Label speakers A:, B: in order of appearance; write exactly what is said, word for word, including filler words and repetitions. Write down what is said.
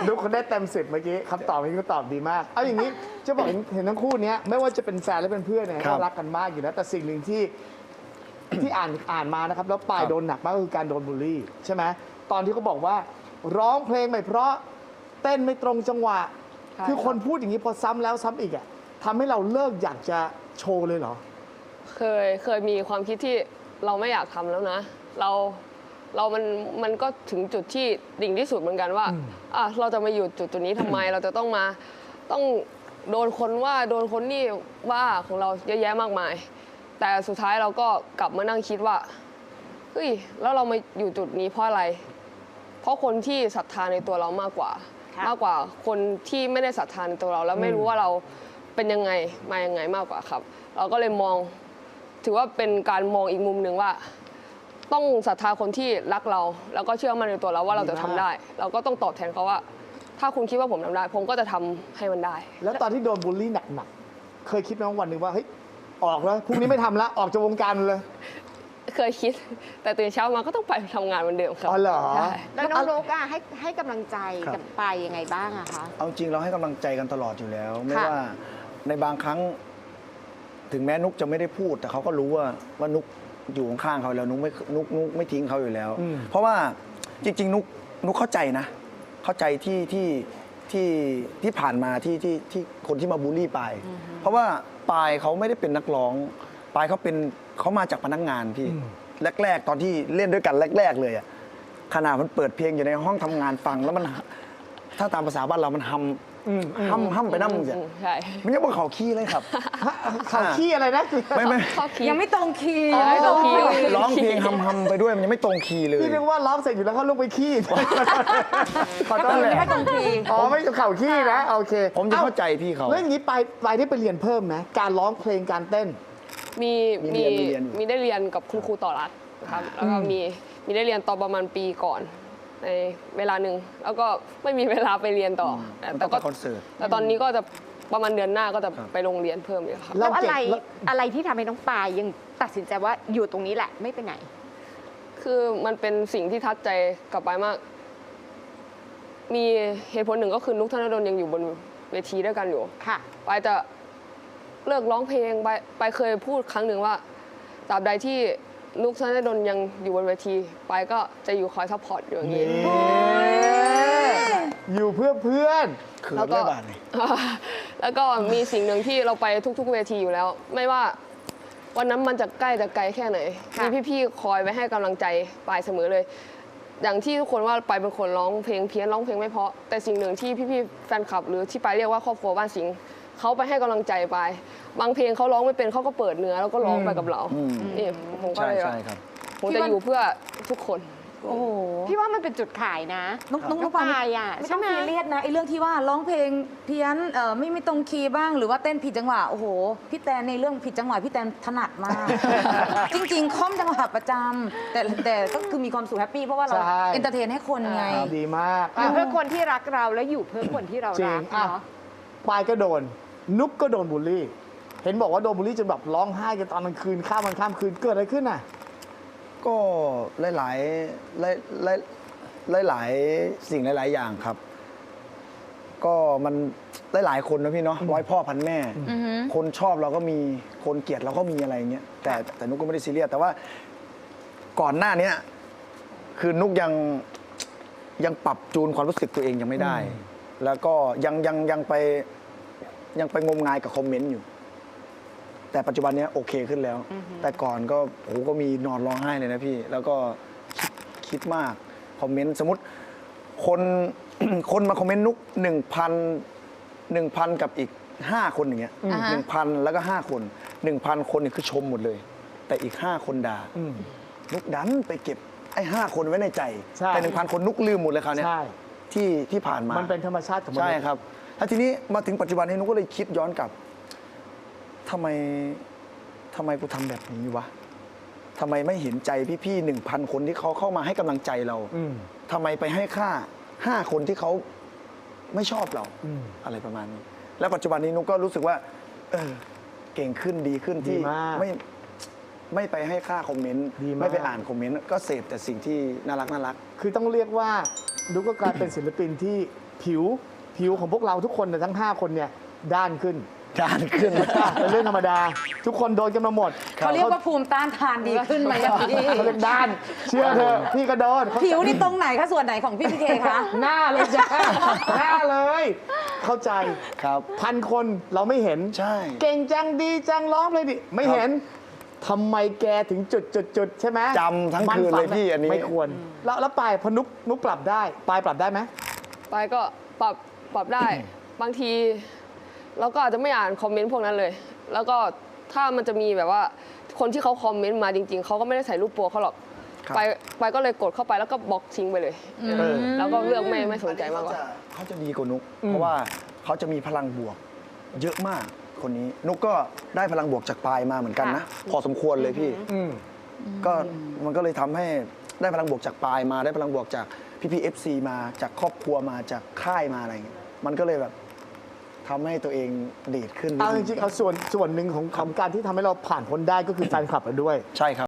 A: นุกคนได้เต็มสิบเมื่อกี้คำตอบเมื่อกี้ก็ตอบดีมากเอาอย่างนี้จะบอกเห็นเห็นทั้งคู่เนี้ยไม่ว่าจะเป็นแฟนและเป็นเพื่อนเนี่ย
B: ครั
A: ก็
B: บ
A: รักกันมากอยู่แล้วแต่สิ่งหนึ่งที่ ที่อ่านอ่านมานะครับแล้วปายโดนหนักมากก็คือการโดนบูลลี่ใช่ไหมตอนที่เขาบอกว่า ร้องเพลงไม่เพราะเต้นไม่ตรงจังหวะ
C: ใช่
A: คือคนพูดอย่างนี้พอซ้ำแล้วซ้ำอีกอ่ะทำให้เราเลิกอยากจะโชว์เลยเหรอ
C: เคยเคยมีความคิดที่เราไม่อยากทำแล้วนะ เราเรามันมันก็ถึงจุดที่ดิ่งที่สุดเหมือนกันว่าอ่ะเราจะมาอยู่จุดจุดนี้ทำไม เราจะต้องมาต้องโดนคนว่าโดนคนนี่ว่าของเราเยอะแยะมากมาย แต่สุดท้ายเราก็กลับมานั่งคิดว่าเฮ้ยแล้วเรามาอยู่จุดนี้เพราะอะไร เพราะคนที่ศรัทธาในตัวเรามากกว่า
D: ค่ะ
C: มากกว่าคนที่ไม่ได้ศรัทธาในตัวเรา แล้วไม่รู้ว่าเราเป็นยังไงมายังไงมากกว่าครับ เราก็เลยมองถือว่าเป็นการมองอีกมุมหนึ่งว่า ต้องศรัทธาคนที่รักเรา แล้วก็เชื่อมั่นในตัวเราว่าเราจะทำได้ เราก็ต้องตอบแทนเขาว่า ถ้าคุณคิดว่าผมทำได้ ผมก็จะทำให้มันได้
A: แล้วตอนที่โดนบูลลี่หนักๆเคยคิดไหมว่าวันหนึ่งว่าเฮ้ยออกแล้วพรุ่งนี้ไม่ทำแล้วออกจากวงการเลย
C: เคยคิด แต่ตื่นเช้ามาก็ต้องไปทำงานเหมือนเดิมครับ
A: อ๋อเหรอ
C: ใช่
D: แล้วน้องนกอะให้ให้กำลังใจ
B: ครับ
D: กับปายยังไงบ้างอะคะ
B: เอาจริงเราให้กำลังใจกันตลอดอยู่แล้ว ไม่
D: ค่ะ
B: ว่าในบางครั้ง ถึงแม้นุกจะไม่ได้พูด แต่เขาก็รู้ว่าว่านุกอยู่ข้างๆเขาแล้วนุกไม่นุกนุกไม่ทิ้งเขาอยู่แล้ว
A: อืม
B: เพราะว่าจริง ๆ นุกนุกเข้าใจนะ เข้าใจที่ที่ที่ที่ผ่านมาที่ที่ที่คนที่มาบูลลี่ปายเพราะว่าปายเขาไม่ได้เป็นนักร้องปายเขาเป็นเขามาจากพนักงานพี่แรก ๆ ตอนที่เล่นด้วยกันแรก ๆ เลยอะขนาดมันเปิดเพลงอยู่ในห้องทำงานฟังแล้วมันถ้าตามภาษาบ้านเรามันฮัมฮัมฮัมไปน้ำมึงจ้ะ
C: อืมใช่
B: มันยังบนเขาขี้เลยครับ
A: เขาขี้อะไรนะ
B: ไม่ไม่
C: ข้อคิด
E: ยังไม่ตรงคีย์
C: ยังไม่ตรงคีย์
B: ร้องเพลงฮัมฮัมไปด้วยมันยังไม่ตรงคีย์เลย
A: พี่นึกว่าร้องเสร็จอยู่แล้วเขาลงไปขี้ขอโทษ
B: นั่นแหละ
E: ไม่ตรงคีย์
A: อ๋อไม่เข่าขี้นะโอเค
B: ผมจะเข้าใจพี่เขา
A: แล้วอย่างนี้ไปไปได้ไปเรียนเพิ่มไหมการร้องเพลงการเต้น
C: มี
B: มี
C: มี
B: เรียนมีเรียนอยู่
C: มีได้เรียนกับคุณครูต่อรัฐนะครับแล้วก็มีมีได้เรียนตอนประมาณปีก่อนในเวลาหนึ่งแล้วก็ไม่มีเวลาไปเรียนต่อแต่
B: มันต้
C: แต่
B: องไป
C: ก็
B: คอนเสิร์ต
C: แต่ตอนนี้ก็จะประมาณเดือนหน้าก็จะ
B: ครับ
C: ไปโรงเรียนเพิ่มอีกครับ
A: เรา
D: แล้วอะไร
A: เก่งแล้ว
D: อะไรที่ทำให้น้องปายยังตัดสินใจว่าอยู่ตรงนี้แหละไม่ไปไหน
C: คือมันเป็นสิ่งที่ทัดใจกลับไปมาก มีเหตุผลหนึ่งก็คือนุกธนดลยังอยู่บนเวทีด้วยกันอยู่
D: ค่ะ
C: ไปจะเลิกร้องเพลงไปไปเคยพูดครั้งหนึ่งว่าตราบใดที่นุกธนดลยังอยู่บนเวทีไปก็จะอยู่คอยซัพพอร์ตอยู่อย่างนี้
A: อยู่เพื่อเพื่อน
B: เขิน
C: แล้วก็
B: ได้บาทเลย
C: แล้วก็มีสิ่งหนึ่งที่เราไปทุก ๆ เวทีอยู่แล้ว ไม่ว่าวันนั้นมันจะใกล้จะไกลแค่ไหน
D: ค่ะ
C: มีพี่ๆคอยไว้ให้กำลังใจปายเสมอเลย อย่างที่ทุกคนว่าปายเป็นคนร้องเพลงเพี้ยนร้องเพลงไม่เพราะแต่สิ่งหนึ่งที่พี่ๆแฟนคลับ หรือที่ปายเรียกว่าครอบครัวบ้านสิงห์เขาไปให้กำลังใจปายบางเพลงเขาร้องไม่เป็นเขาก็เปิดเนื้อแล้วก็ร้องไปกับเรา
B: อืม
C: นี่ผมก็
B: ใช่
C: เลย
B: ใช่ครับ
C: ผมจะอยู่เพื่อทุกคน
E: โอ้โห
D: พี่ว่ามันเป็นจุดขายนะ
E: น้องน้อง
D: น้
E: น้
D: อ
E: อง งปา
D: ปาย ยอะ
E: ไม่
D: ใช่
E: ต้อง
D: ไหม
E: ซีเรียสนะไอ้เรื่องที่ว่าร้องเพลงเพี้ยนเอ่อไม่ไม่ตรงคีย์บ้าง หรือว่าเต้นผิดจังหวะโอ้โหพี่แตนในเรื่องผิดจังหวะพี่แตนถนัดมาก จริงๆคล่อมจังหวะประจำแต่แต่ก็คือมีความสุขแฮปปี้เพราะว่าเรา
A: ใช่
E: เอนเตอร์เทนให้คนไง
A: ดีมาก
D: อยู่เพื่อคนที่รักเราแล้วอยู่เพื่อคนที่เรา
A: จริ
D: รั
A: ง
D: ก
A: อ่ะ
D: เนาะ
A: ปายก็โดน นุกก็โดนบูลลี่ เห็นบอกว่าโดนบูลลี่จนแบบร้องไห้กันตอนกลางคืนข้ามวันข้ามคืนเกิดอะไรขึ้นน่ะ
B: ก็หลายหลายหลายหลายหลายหลายสิ่งหลาย ๆ อย่างครับ ก็มันหลาย ๆ คนนะพี่เนาะร้อยพ่อพันแม่ คนชอบเราก็มีคนเกลียดเราก็มีอะไรอย่างเงี้ยแต่แต่นุกก็ไม่ได้ซีเรียสแต่ว่าก่อนหน้าเนี้ยคือนุกยังยังปรับจูนความรู้สึกตัวเองยังไม่ได้ แล้วก็ยังยังยังไปยังไปงมงายกับคอมเมนต์อยู่ แต่ปัจจุบันเนี้ยโอเคขึ้นแล้ว แต่ก่อนก็โอ้โหก็มีนอนร้องไห้เลยนะพี่ แล้วก็คิดคิดมาก คอมเมนต์สมมติคน คนมาคอมเมนต์นุกหนึ่งพันหนึ่งพันกับอีกห้าคนอย่างเงี้ย
E: อ่าฮะ
B: หนึ่งพันแล้วก็ห้าคนหนึ่งพันคนนี่คือชมหมดเลย แต่อีกห้าคนด่า
A: อืม
B: นุกดันไปเก็บไอ้ห้าคนไว้ในใจ
A: ใช่
B: แต่หนึ่งพันคนนุกลืมหมดเลยคราวเนี้ย
A: ใช่
B: ที่ที่ผ่านมา
A: มันเป็นธรรมชาติของมนุษย์
B: ใช่ครับแล้วทีนี้มาถึงปัจจุบันนี้นุกก็เลยคิดย้อนกลับทำไมทำไมกูทำแบบนี้วะทำไมไม่เห็นใจพี่ๆหนึ่งพันคนที่เขาเข้ามาให้กำลังใจเรา
A: อืม
B: ทำไมไปให้ค่าห้าคนที่เขาไม่ชอบเรา
A: อืม
B: อะไรประมาณนี้ แล้วปัจจุบันนี้นุกก็รู้สึกว่า เออ เก่งขึ้นดีขึ้นที่
A: ดีมาก
B: ไม่ไม่ไปให้ค่าคอมเมนต์
A: ดีมาก
B: ไม่ไปอ่านคอมเมนต์ก็เสพแต่สิ่งที่น่ารักน่ารัก
A: คือต้องเรียกว่านุกก็กลายเป็นศิลปินที่ผิวผิวของพวกเราทุกคนเนี่ยทั้ง ห้า คนเนี่ยด้านขึ้น
B: จานขึ้น
A: เป็นเรื่องธรรมดา ทุกคนโดนกันมาหมด
E: เขาเรียกว่าภูมิต้านทานดีขึ้นไหมอะพี่
A: เขาเรียกด้าน เชื่อเถอะพี่ก็โดน
E: ผิวนี่ตรงไหนคะส่วนไหนของพี่พีเคคะ
A: หน้าเลยจ้ะหน้าเลย เข้าใจ
B: ครับ
A: พันคนเราไม่เห็น
B: ใช่
A: เก่งจังดีจังร้องเลยดิไม่เห็นทำไมแกถึงจุดจุดจุดใช่ไหม
B: จำทั้ง
A: มั
B: คืน
A: ฝั
B: เลยพี่อันนี้
A: ไม่ควร แล้วแล้วปลายพอนุกนุกปรับได้ปลายปรับได้ไหม
C: ไปก็ปรับปรับได้ บางทีเราก็อาจจะไม่อ่านคอมเมนต์พวกนั้นเลย แล้วก็ถ้ามันจะมีแบบว่าคนที่เขาคอมเมนต์มาจริง ๆเขาก็ไม่ได้ใส่รูปโปรเขาหรอก
B: ครับ
C: ไปไปก็เลยกดเข้าไปแล้วก็บล็อกทิ้งไปเลย
A: เออ
C: แล้วก็เลือกไม่ไม่สนใจมากกว่า
B: เขาจะดีกว่านุก เพราะว่าเขาจะมีพลังบวก เยอะมากคนนี้ นุกก็ได้พลังบวกจากปลายมาเหมือนกันนะ พอสมควรเลยพี่
A: อืม
B: ก็มันก็เลยทำให้ได้พลังบวกจากปลายมา ได้พลังบวกจากพี่พีเอฟซีมาจากครอบครัวมาจากค่ายมาอะไรอย่างเงี้ยมันก็เลยแบบทำให้ตัวเองเดทขึ้นนิด
A: เอาจ
B: นึง
A: ริงๆเอาส่วนส่วนหนึ่งของของการที่ทำให้เราผ่านพ้นได้ก็คือแฟนคลับเราด้วย
B: ใช่ครับ